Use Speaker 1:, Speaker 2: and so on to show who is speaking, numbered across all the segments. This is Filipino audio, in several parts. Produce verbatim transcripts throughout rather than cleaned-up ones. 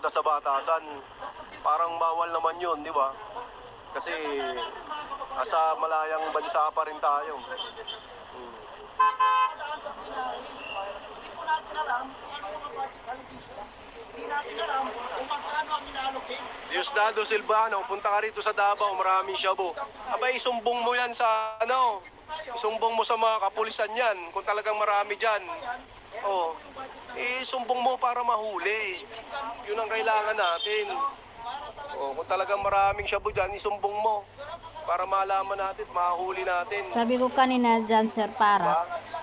Speaker 1: pumunta sa batasan. Parang bawal naman yun, di ba? Kasi nasa malayang bansa pa rin tayo. Hmm. Diosdado Silvano, punta ka rito sa Davao, maraming shabu. Abay, isumbong mo yan sa ano, isumbong mo sa mga kapulisan yan, kung talagang marami dyan. Oh, isumbong mo para mahuli. Yun ang kailangan natin. Oh, kung talagang maraming shabu dyan, isumbong mo para malaman natin, mahuli natin.
Speaker 2: Sabi ko kanina dyan, sir, para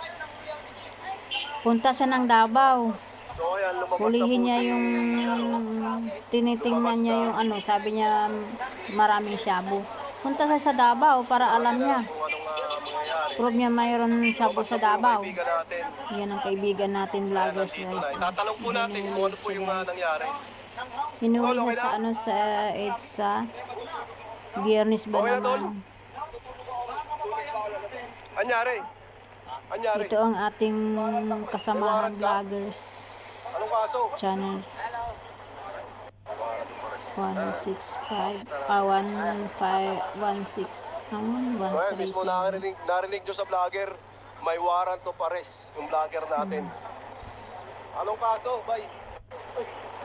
Speaker 2: punta siya ng Davao.
Speaker 1: So, ayan, lumabas na
Speaker 2: Hulihin
Speaker 1: po
Speaker 2: niya
Speaker 1: si,
Speaker 2: yung tinitingnan niya yung ano, sabi niya maraming shabu. Punta siya sa Davao para alam niya.
Speaker 1: kung anong uh, mangyayari.
Speaker 2: Prove niya mayroon shabu sa Davao.
Speaker 1: Kaibigan natin.
Speaker 2: Yan ang kaibigan natin vloggers,
Speaker 1: Dito
Speaker 2: guys.
Speaker 1: na. Tatanong po natin kung ano po yung uh, nangyari.
Speaker 2: Inuwi niya sa ano sa EDSA. Biyernes ba
Speaker 1: Okay na, Tol?
Speaker 2: naman?
Speaker 1: Anyari? Anyari?
Speaker 2: Ito ang ating kasamahan vloggers
Speaker 1: Anong kaso?
Speaker 2: channel. one six five, ah, one five one six, ang
Speaker 1: So ayan,
Speaker 2: one three
Speaker 1: mismo
Speaker 2: seven.
Speaker 1: narinig, narinig nyo sa vlogger, may warrant of arrest yung vlogger natin. Anong kaso? Bay? Uy.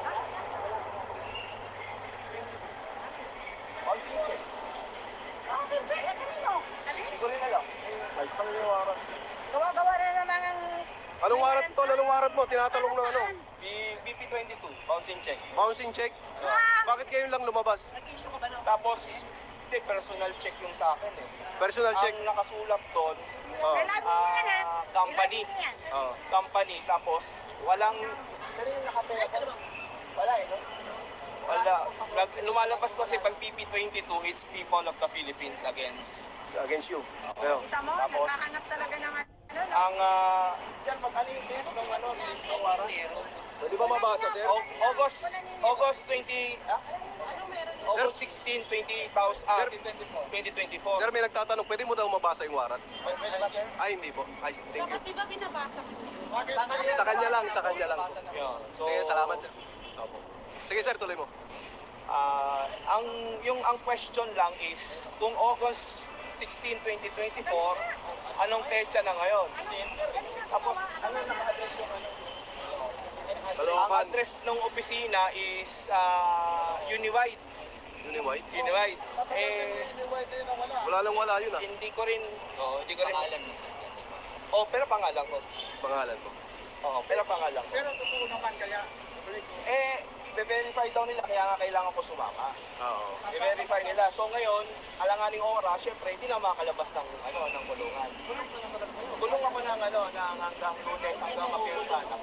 Speaker 1: Pansin check.
Speaker 3: Pansin check, eh, kanino?
Speaker 1: Hindi ko rin alam. Ay, pang yung warrant.
Speaker 3: Gawa-gawa na naman ang...
Speaker 1: Anong warrant to? Anong warrant mo? Tinatanong na ano?
Speaker 4: B P twenty-two, bouncing check.
Speaker 1: Bouncing check? Bakit kayo lang lumabas?
Speaker 4: Tapos, hindi, personal check yung sa akin eh.
Speaker 1: Personal check?
Speaker 4: Ang nakasulat doon,
Speaker 1: Oh.
Speaker 3: Kailangan niya yan, ha?
Speaker 4: ah, company.
Speaker 3: Kailangan niya yan.
Speaker 1: Oh.
Speaker 4: Company, tapos walang, pero yung nakapera ko, wala eh, no? Wala. Nag, lumalabas kasi pag B P twenty-two, it's people of the Philippines against.
Speaker 1: Against you. Pero,
Speaker 3: Kita mo,
Speaker 4: Tapos,
Speaker 3: nagkahanap talaga ng ano, no?
Speaker 4: ang, uh, sir, pag ano yung date ng ano, list ng warrant?
Speaker 1: pwede ba mabasa, sir?
Speaker 4: Au- August, August twenty, ah? August sixteen, twenty thousand, ah, twenty twenty-four.
Speaker 1: Sir, may nagtatanong, pwede mo daw mabasa yung warrant?
Speaker 4: Pwede ba, sir?
Speaker 1: Ay, hindi po. Ay, thank you.
Speaker 3: Di ba binabasa mo?
Speaker 1: Sa kanya lang, sa kanya lang.
Speaker 4: Yun. So,
Speaker 1: Sige, salamat, sir. Opo. Sige, sir, tuloy mo.
Speaker 4: Ah, ang yung ang question lang is kung August sixteen, twenty twenty-four, anong petsa na ngayon? Tapos ano naka-address yung ano? Ang
Speaker 1: Caloocan.
Speaker 4: address ng opisina is uh, Uniwide.
Speaker 1: Uniwide?
Speaker 4: Uniwide. Eh
Speaker 1: Wala lang wala yun, ah.
Speaker 4: hindi ko rin oh, hindi ko rin alam. Oh, pero pangalan ko.
Speaker 1: Pangalan mo.
Speaker 4: Oo, pero pangalan ko.
Speaker 5: Pero totoo naman kaya,
Speaker 4: Eh, i-verify daw nila kaya nga kailangan ko sumama.
Speaker 1: Oo.
Speaker 4: I-verify nila. So ngayon, alanganing oras, syempre, hindi na makalabas ng, ano, ng kulungan. Kulong ako ng, ano, ng hanggang lunes, hanggang mapirsan ako.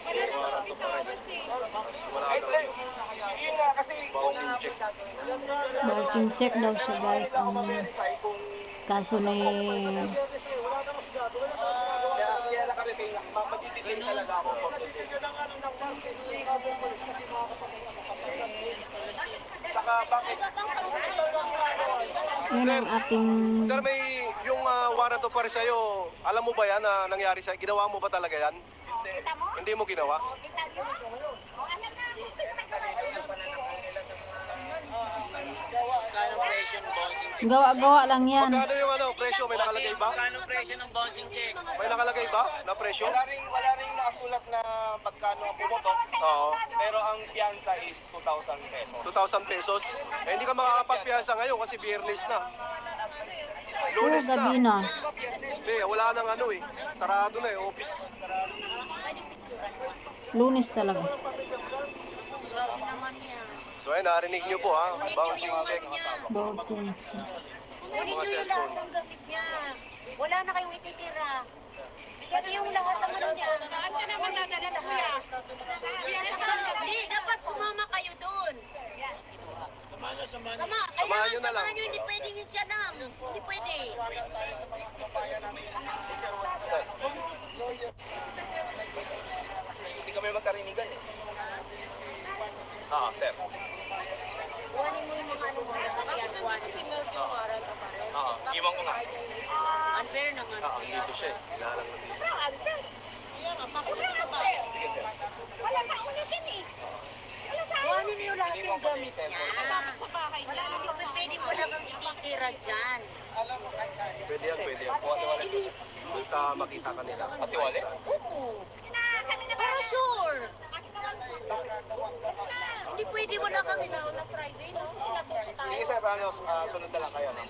Speaker 1: Wala
Speaker 4: Ay,
Speaker 1: lang.
Speaker 4: eh, yun nga, kasi kung
Speaker 1: Bouncing check.
Speaker 2: Bouncing check daw siya, guys, ang
Speaker 4: verify kung
Speaker 2: kaso ni
Speaker 4: kaya, kaya nakarelay na, ma- matititin talaga ako for today. Saka bakit?
Speaker 2: yun ang ating
Speaker 1: Sir, may yung uh, warrant of arrest sa'yo, alam mo ba yan na nangyari sa'yo? Ginawa mo ba talaga yan?
Speaker 3: Kita mo?
Speaker 1: Hindi mo ginawa?
Speaker 3: Kita mo? O, alam na, sino may gawa yun?
Speaker 6: Magkano presyo ng bouncing check?
Speaker 2: gawa-gawa lang yan.
Speaker 1: Magkano yung ano, presyo? May nakalagay ba?
Speaker 6: Magkano presyo ng bouncing check?
Speaker 1: May nakalagay ba na presyo?
Speaker 4: Wala rin, wala rin nakasulat na pagkano ang pumotok,
Speaker 1: Oo.
Speaker 4: pero ang piyansa is two thousand pesos.
Speaker 1: two thousand pesos. Eh, hindi ka makakapagpiyansa ngayon kasi biyernes na.
Speaker 2: Puro
Speaker 1: Lunes
Speaker 2: gabi
Speaker 1: na.
Speaker 2: na.
Speaker 1: Hindi, wala nang ano eh. Sarado na eh, office.
Speaker 2: Lunes talaga.
Speaker 1: So ayun, narinig nyo po ha. Bouncing check.
Speaker 2: Bouncing check.
Speaker 3: Kunin niyo yung lahat ng gamit niya. Wala na kayong ititira. Pati yung lahat ng ano niya. Saan ka naman dadalhin, kuya? Kuya, saan ka? Hindi, dapat sumama kayo doon. Sama,
Speaker 1: Samahan
Speaker 3: kaya
Speaker 1: nyo na lang.
Speaker 3: samahan nyo, hindi pwedeng siya lang. Hindi pwede.
Speaker 4: Hindi kami magkarinigan eh. Ah, sir.
Speaker 3: Kuhanin mo yung mga ano mo. Kasi nandito si Nerf yung warrant of arrest.
Speaker 4: Oo, iwan ko nga.
Speaker 3: Unfair naman.
Speaker 1: Ah, dito siya eh. Ilalang lang.
Speaker 3: Sobrang unfair. Wala sa unfair.
Speaker 4: Sige, sir.
Speaker 3: Wala sa una siya eh. Wala sa una. yung gamit niya. Wala naman pwede mo lang ititira dyan.
Speaker 1: Pwede yan, pwede yan. Basta makita ka nila.
Speaker 4: Patiwali?
Speaker 3: Oo. Pero sure. Hindi pwede wala kami na na Friday. Kasi sila to sa tayo.
Speaker 4: Sige sir, ano, ah, sunod na lang kayo. No?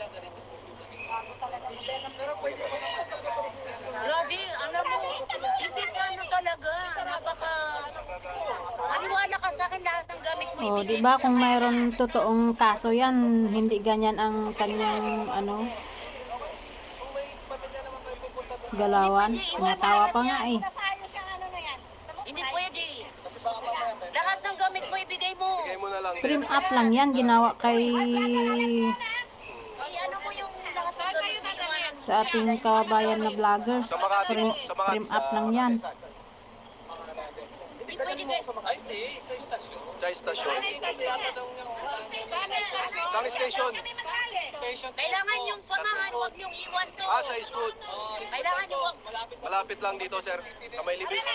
Speaker 3: Grabe, alam mo, isis ano talaga. Napaka... Maniwala ka sa akin lahat ng gamit mo.
Speaker 2: O,
Speaker 3: ibigay
Speaker 2: di
Speaker 3: mo
Speaker 2: ba
Speaker 3: sa
Speaker 2: kung
Speaker 3: kanya.
Speaker 2: mayroon totoong kaso yan, hindi ganyan ang kanyang ano galawan. Natawa pa nga eh.
Speaker 3: Hindi pwede. Lahat ng gamit mo ibigay mo.
Speaker 1: Bigay mo na lang.
Speaker 2: Trim up lang yan, ginawa kay
Speaker 3: I-ano mo yung lahat ng gamit mo. iwanan mo.
Speaker 2: sa ating kababayan na vloggers.
Speaker 1: Sa Makati
Speaker 2: Trim,
Speaker 1: po, sa Makati.
Speaker 2: trim up lang yan.
Speaker 3: Hindi pwede kayo.
Speaker 4: Ay, hindi. Sa istasyon.
Speaker 1: Sa istasyon. Sa station.
Speaker 4: Station.
Speaker 3: Kailangan yung samahan, huwag yung iwan to.
Speaker 1: Ah, sa Eastwood.
Speaker 3: Kailangan yung huwag.
Speaker 1: Malapit lang dito, sir. Sa may libis.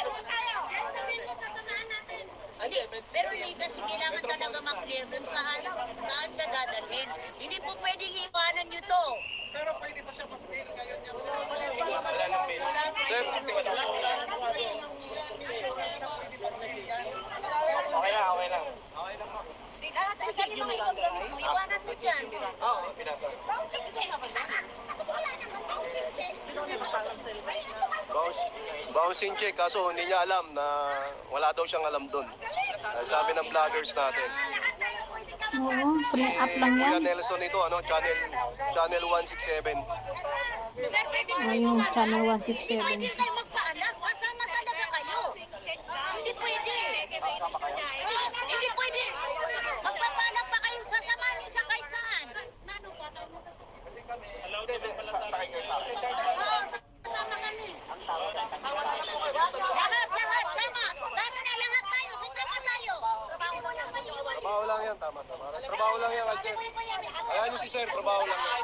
Speaker 3: Hindi, pero hindi kasi kailangan talaga mag-clear dun saan, saan siya dadalhin. Hindi po pwedeng iwanan nyo to.
Speaker 1: Sir,
Speaker 4: Okay na, okay na.
Speaker 3: Lahat ay sabi mga ibang gamit mo, iwanan mo dyan.
Speaker 4: Oo, pinasa.
Speaker 1: bounce, bouncing check. Kaso hindi niya alam na wala daw siyang alam doon. Sabi ng vloggers natin.
Speaker 2: Oo, trim up lang
Speaker 1: Kuya
Speaker 2: yan.
Speaker 1: Nelson ito, ano, channel channel one sixty-seven.
Speaker 2: O, yung channel one
Speaker 3: Hindi
Speaker 2: sixty-seven.
Speaker 3: pwede kayo magpaalam, kasama talaga kayo. Hindi pwede. Hindi pwede. Magpapaalam pa kayong sasamahan mo sa kahit saan.
Speaker 4: Hindi, hindi. Sa- Sakay kayo sa akin.
Speaker 3: Oo, Sama kami. Lahat, lahat, sama. Tara na lahat tayo, sasama tayo. Trabaho mo lang kayo.
Speaker 1: Trabaho lang yan, tama, tama. Trabaho lang yan, sir. Ayan nyo si sir, trabaho lang yan.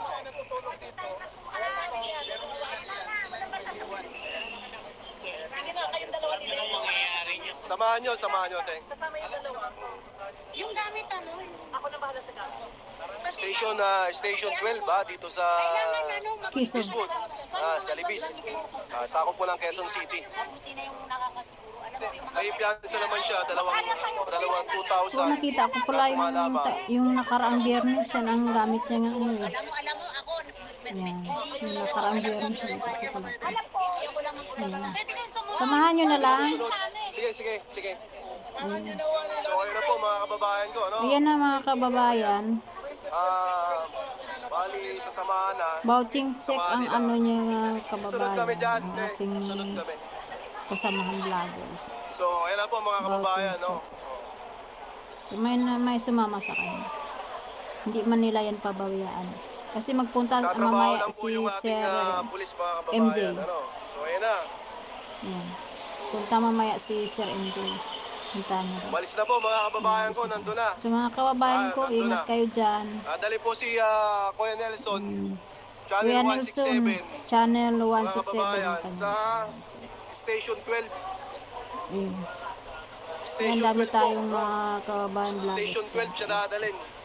Speaker 6: Mangyayari niyo.
Speaker 1: Samahan nyo, samahan nyo, te.
Speaker 3: Yung gamit ano? Ako na bahala sa gamit.
Speaker 1: Station, ah, station twelve, ha, dito sa
Speaker 3: Kailangan ano, mag-
Speaker 2: Quezon.
Speaker 1: Eastwood. Ah, sa Libis. Ah, sakop po ng Quezon City.
Speaker 3: Buti na yung nakakasiguro. Alam mo yung mga...
Speaker 1: May piyansa naman siya, dalawang, dalawang two thousand.
Speaker 2: So nakita ko pala yung, ta- yung nakaraang biyernes yan ang gamit niya nga ano eh.
Speaker 3: Alam mo, alam mo, ako,
Speaker 2: Yan, yung nakaraang biyernes nakita ko pala.
Speaker 3: alam ko, ayoko lang mag- Pwede kayo sumuha.
Speaker 2: Samahan nyo na lang.
Speaker 1: Sige, sige, sige. So, ayun na po mga kababayan ko, ano?
Speaker 2: Ayan na mga kababayan.
Speaker 1: Ah, bali, sasamahan na.
Speaker 2: Bouting check ang ano niya mga
Speaker 1: Sunod kami
Speaker 2: kababayan.
Speaker 1: dyan,
Speaker 2: Ang
Speaker 1: te.
Speaker 2: ating
Speaker 1: Sunod kami.
Speaker 2: kasamahan vloggers.
Speaker 1: So, ayun na po mga kababayan, no?
Speaker 2: So may, na- may sumama sa kanya. Hindi man nila yan pabawiaan. Kasi magpunta
Speaker 1: Tatrabaho
Speaker 2: mamaya
Speaker 1: lang po
Speaker 2: si
Speaker 1: yung ating
Speaker 2: Sir
Speaker 1: ah, pulis mga kababayan,
Speaker 2: M J.
Speaker 1: ano? So, ayun na.
Speaker 2: Yan. Punta mamaya si Sir M J. Punta na rin.
Speaker 1: Umalis na po mga kababayan ko, nandun na.
Speaker 2: So mga kababayan
Speaker 1: Ah,
Speaker 2: ko,
Speaker 1: nandun
Speaker 2: ingat
Speaker 1: na.
Speaker 2: kayo dyan.
Speaker 1: Ah, dali po si ah, Kuya Nelson, channel
Speaker 2: Kuya
Speaker 1: one
Speaker 2: Nelson,
Speaker 1: sixty-seven.
Speaker 2: channel
Speaker 1: Mga
Speaker 2: one sixty-seven ang
Speaker 1: kababayan,
Speaker 2: kanya.
Speaker 1: sa Station twelve.
Speaker 2: Ayun. Ayan,
Speaker 1: Station
Speaker 2: dami
Speaker 1: twelve
Speaker 2: tayong
Speaker 1: po.
Speaker 2: mga kababayan vloggers
Speaker 1: Station
Speaker 2: dyan
Speaker 1: twelve siya
Speaker 2: sa-
Speaker 1: dadalhin.